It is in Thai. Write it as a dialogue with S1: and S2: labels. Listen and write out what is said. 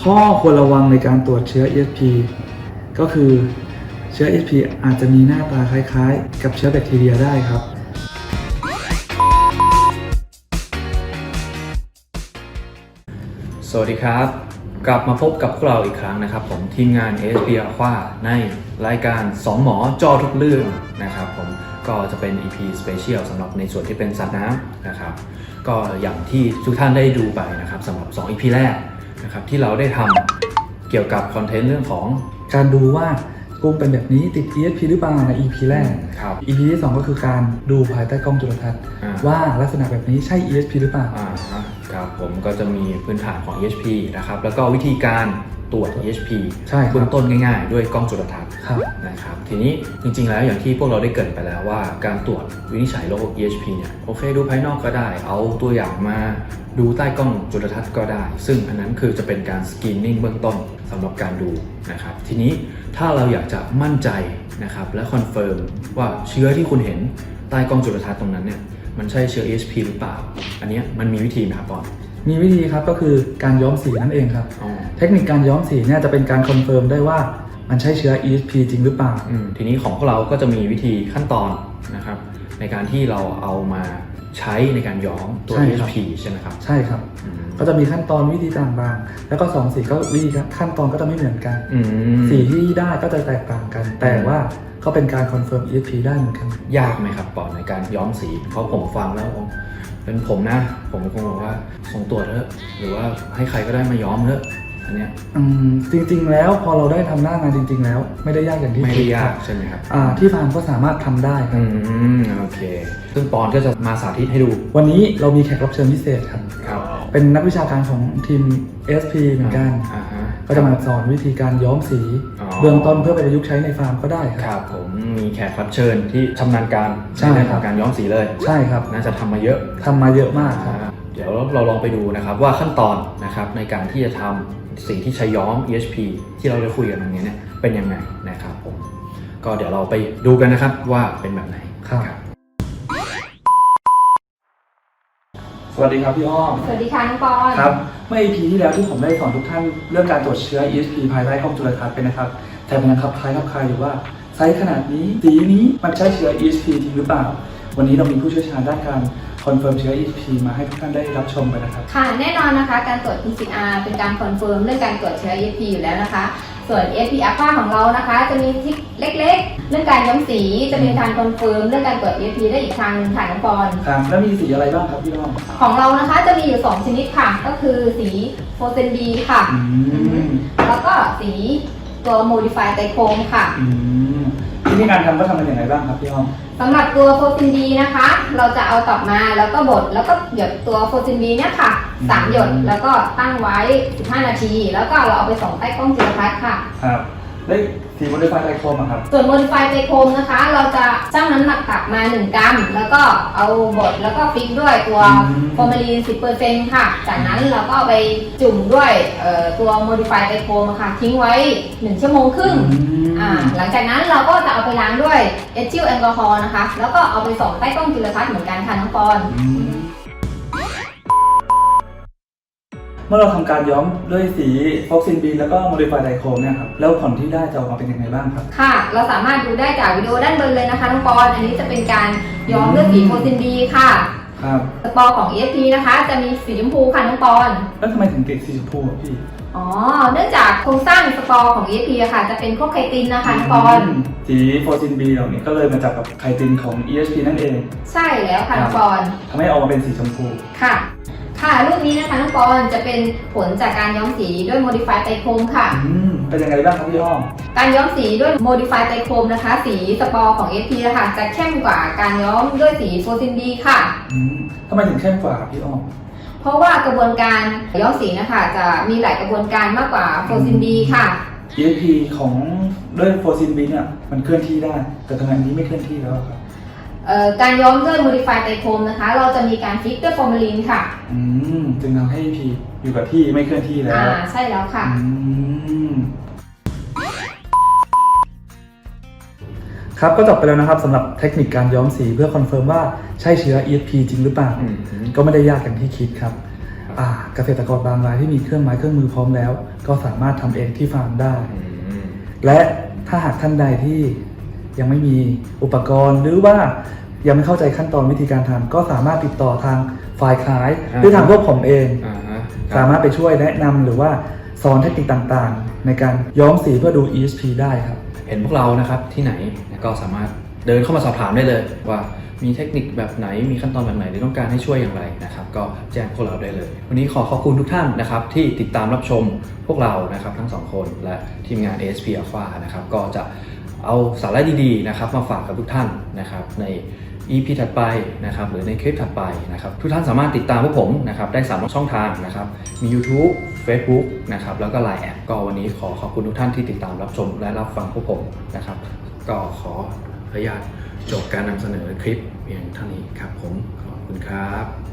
S1: ข้อควรระวังในการตรวจเชื้อ ESP ก็คือเชื้อ ESP อาจจะมีหน้าตาคล้ายๆกับเชื้อแบคทีเรียได้ครับ
S2: สวัสดีครับกลับมาพบกับพวกเราอีกครั้งนะครับผมทีมงาน ASP Aqua ในรายการ2หมอจอทุกเรื่องนะครับผมก็จะเป็น EP Special สำหรับในส่วนที่เป็นสัตว์น้ำนะครับก็อย่างที่ทุกท่านได้ดูไปนะครับสำหรับ2 EP แรกนะครับที่เราได้ทำเกี่ยวกับคอนเทนต์เรื่องของ
S1: การดูว่ากุ้งเป็นแบบนี้ติด ESP หรือเปล่าใน EP แรก EP ที่ 2 ก็คือการดูภายใต้กล้องจุลทรรศน์ว่าลักษณะแบบนี้ใช่ ESP หรือเปล่า
S2: ครับผมก็จะมีพื้นฐานของ ESP นะครับแล้วก็วิธีการตรวจ ESP เบื้องต้นง่ายๆด้วยกล้องจุลทรรศน์นะครับทีนี้จริงๆแล้วอย่างที่พวกเราได้เกริ่นไปแล้วว่าการตรวจวินิจฉัยโรค ESP เนี่ยโอเคดูภายนอกก็ได้เอาตัวอย่างมาดูใต้กล้องจุลทรรศน์ก็ได้ซึ่งอันนั้นคือจะเป็นการสกรีนนิ่งเบื้องต้นสำหรับการดูนะครับทีนี้ถ้าเราอยากจะมั่นใจนะครับและคอนเฟิร์มว่าเชื้อที่คุณเห็นใต้กล้องจุลทรรศน์ตรงนั้นเนี่ยมันใช่เชื้อ ESP หรือเปล่าอันนี้มันมีวิธีไหมครับปอน
S1: มีวิธีครับก็คือการย้อมสีนั่นเองครับเทคนิคการย้อมสีเนี่ยจะเป็นการคอนเฟิร์มได้ว่ามันใช่เชื้อ ESP จริงหรือเปล่า
S2: ทีนี้ของพวกเราก็จะมีวิธีขั้นตอนนะครับในการที่เราเอามาใช้ในการย้อมตัว ESP ใช่ไหมครับ
S1: ใช่ครับก็จะมีขั้นตอนวิธีต่างๆแล้วก็2สีก็วิธีขั้นตอนก็จะไม่เหมือนกันสีที่ได้ก็จะแตกต่างกันแต่ว่าก็เป็นการคอนเฟิร์ม ESP ได้เหมือนกัน
S2: ยากไหมครับปอนในการย้อมสีเพราะผมฟังแล้วเป็นผมนะผมคงบอกว่าส่งตรวจเถอะหรือว่าให้ใครก็ได้มาย้อมเถอะอันเนี้ย
S1: จริงๆแล้วพอเราได้ทำหน้างานจริงๆแล้วไม่ได้ยากอย่างที่
S2: ไม่ได้ยากใช่ไหมครับ
S1: ที่ฟาร์มก็สามารถทำได้ครับ
S2: โอเคซึ่งปอนก็จะมาสาธิตให้ดู
S1: วันนี้เรามีแขกรับเชิญพิเศษครับเป็นนักวิชาการของทีม SP เหมือนกันก็จะมาสอนวิธีการย้อมสีเบื้องต้นเพื่อไปประยุกต์ใช้ในฟาร์มก็ได้
S2: ครับผมมีแขกรับเชิญที่ชำนาญการในเรื่องของการย้อมสีเลย
S1: ใช่ครับ
S2: น่าจะทำมาเยอะ
S1: มากครับ
S2: เดี๋ยวเราลองไปดูนะครับว่าขั้นตอนนะครับในการที่จะทำสีที่ใช้ย้อม ESP ที่เราได้คุยกันตรงนี้เนี่ยเป็นยังไงนะครับผมก็เดี๋ยวเราไปดูกันนะครับว่าเป็นแบบไหน
S1: ครับสวัสดีครับพี่อ้อม
S3: สวัสดีค่ะน้องปอน
S1: ครับเมื่อ EP ที่แล้วที่ผมได้สอนทุกท่านเรื่องการตรวจเชื้อ ESP ภายใต้กล้องจุลทรรศน์ไปนะครับแต่มันยังคล้ายอยู่ว่าไซส์ขนาดนี้สีนี้มันใช่เชื้อ ESP จริงหรือเปล่าวันนี้เรามีผู้เชี่ยวชาญด้านการคอนเฟิร์มเชื้อ ESP มาให้ทุกท่านได้รับชมไปนะครับ
S3: ค่ะแน่นอนนะคะการตรวจ PCR เป็นการคอนเฟิร์มเรื่องการตรวจเชื้อ ESP อยู่แล้วนะคะส่วน ASP Aqua ของเรานะคะจะมีทริคเล็กๆเรื่องการย้อมสีจะเป็นการคอนเฟิร์มเรื่องการตรวจ ESP ได้อีกทางนึงค่ะน้องปอน
S1: ครับแล้วมีสีอะไรบ้างครับพี่อ้อม
S3: ของเรานะคะจะมีอยู่2ชนิดค่ะก็คือสีโฟเซนดีค่ะแล้วก็สีตัว Modify ไตโครมค่ะ
S1: วิธีการทำก็ทำเป็นอย่างไรบ้างครับพี่อ้อม
S3: สำหรับตัวโฟซินดีนะคะเราจะเอาตอกมาแล้วก็บดแล้วก็หยดตัวโฟซินดีเนี่ยค่ะ3หยดแล้วก็ตั้งไว้15นาทีแล้วก็เราเอาไปส่องใต้กล้องจุลทรรศน์ค่ะ
S1: ครับได้สีโมดิฟายไตโครมครับ
S3: ส่วนโมดิฟายไตโครมนะคะเราจะชั่งน้ำหนักตักมา1กรัมแล้วก็เอาบดแล้วก็ฟิกด้วยตัวฟอร์มาลีน 10% ค่ะจากนั้นเราก็เอาไปจุ่มด้วยตัวโมดิฟายไตโครมค่ะทิ้งไว้1ชั่วโมงครึ่งหลังจากนั้นเราก็จะเอาไปล้างด้วยเอทิลแอลกอฮอล์นะคะแล้วก็เอาไปส่องใต้กล้องจุลทรรศน์เหมือนกันค่ะน้องปอน
S1: เมื่อเราทำการย้อมด้วยสีฟอกซินบีแล้วก็โมดิฟายไดโครมเนี่ยครับแล้วผลที่ได้จะออกมาเป็นยังไงบ้างครับ
S3: ค่ะเราสามารถดูได้จากวิดีโอด้านบนเลยนะคะน้องปอนอันนี้จะเป็นการย้อมด้วยสีโฟซินบีค่ะ
S1: ครับ
S3: สปอร์ของ ESP นะคะจะมีสีชมพูค่ะน้องปอน
S1: แล้วทำไมถึงติดสีชมพูพี่
S3: เนื่องจากโครงสร้างสปอร์ของ ESP ค่ะจะเป็นพวกไคตินนะคะน้องปอน
S1: สีโฟซินบีเหล่านี้ก็เลยมาจากกับไคตินของ ESP นั่นเอง
S3: ใช่แล้วค่ะน้องปอน
S1: ทำให้ออกมาเป็นสีชมพู
S3: ค่ะรูปนี้นะคะน้องปอนจะเป็นผลจากการย้อมสีด้วย Modify ไตโครมค่ะ
S1: เป็นยังไงบ้างครับพี่อ้อม
S3: การย้อมสีด้วย Modify ไตโครมนะคะสีสปอร์ของ SP นะคะจะเข้มกว่าการย้อมด้วยสีโฟซินดีค่ะ
S1: ทำไมถึงเข้มกว่าพี่อ้อม
S3: เพราะว่ากระบวนการย้อมสีนะคะจะมีหลายกระบวนการมากกว่าโฟซินดีค่ะ
S1: ESP ของด้วยโฟซินดีเนี่ยมันเคลื่อนที่ได้แต่ทำไมอันนี้ไม่เคลื่อนที่แล้วครับ
S3: การย้อมด้วย Modify ไตโครมนะคะเราจะมีการฟิกด้วยฟอร์มาลีนค่ะ
S1: จึงทำให้ EP อยู่กับที่ไม่เคลื่อนที่แล้ว
S3: ใช่แล้วค่ะ
S1: ครับก็จบไปแล้วนะครับสำหรับเทคนิคการย้อมสีเพื่อคอนเฟิร์มว่าใช่เชื้อ ESP จริงหรือเปล่าก็ไม่ได้ยากอย่างที่คิดครับเกษตรกรบางรายที่มีเครื่องไม้เครื่องมือพร้อมแล้ว ก็สามารถทำเองที่ฟาร์มได้ และถ้าหากท่านใดที่ยังไม่มีอุปกรณ์หรือว่ายังไม่เข้าใจขั้นตอนวิธีการทำก็สามารถติดต่อทางฝ่ายขายหรือทางพวกผมเอง สามารถไปช่วยแนะนำหรือว่าสอนเทคนิคต่างๆ ในการย้อมสีเพื่อดู ESP ได้ครับ
S2: เห็นพวกเรานะครับที่ไหนก็สามารถเดินเข้ามาสอบถามได้เลยว่ามีเทคนิคแบบไหนมีขั้นตอนแบบไหนหรือต้องการให้ช่วยอย่างไรนะครับก็แจ้งพวกเราได้เลยวันนี้ขอขอบคุณทุกท่านนะครับที่ติดตามรับชมพวกเรานะครับทั้งสองคนและทีมงาน ASP Alpha นะครับก็จะเอาสาระดีๆนะครับมาฝากกับทุกท่านนะครับใน EP ถัดไปนะครับหรือในคลิปถัดไปนะครับทุกท่านสามารถติดตามพวกผมนะครับได้3ช่องทางนะครับมี YouTube Facebook นะครับแล้วก็ Line แอดก็วันนี้ขอขอบคุณทุกท่านที่ติดตามรับชมและรับฟังพวกผมนะครับก็ขออนุญาตจบการนำเสนอคลิปเพียงเท่านี้ครับผมขอบคุณครับ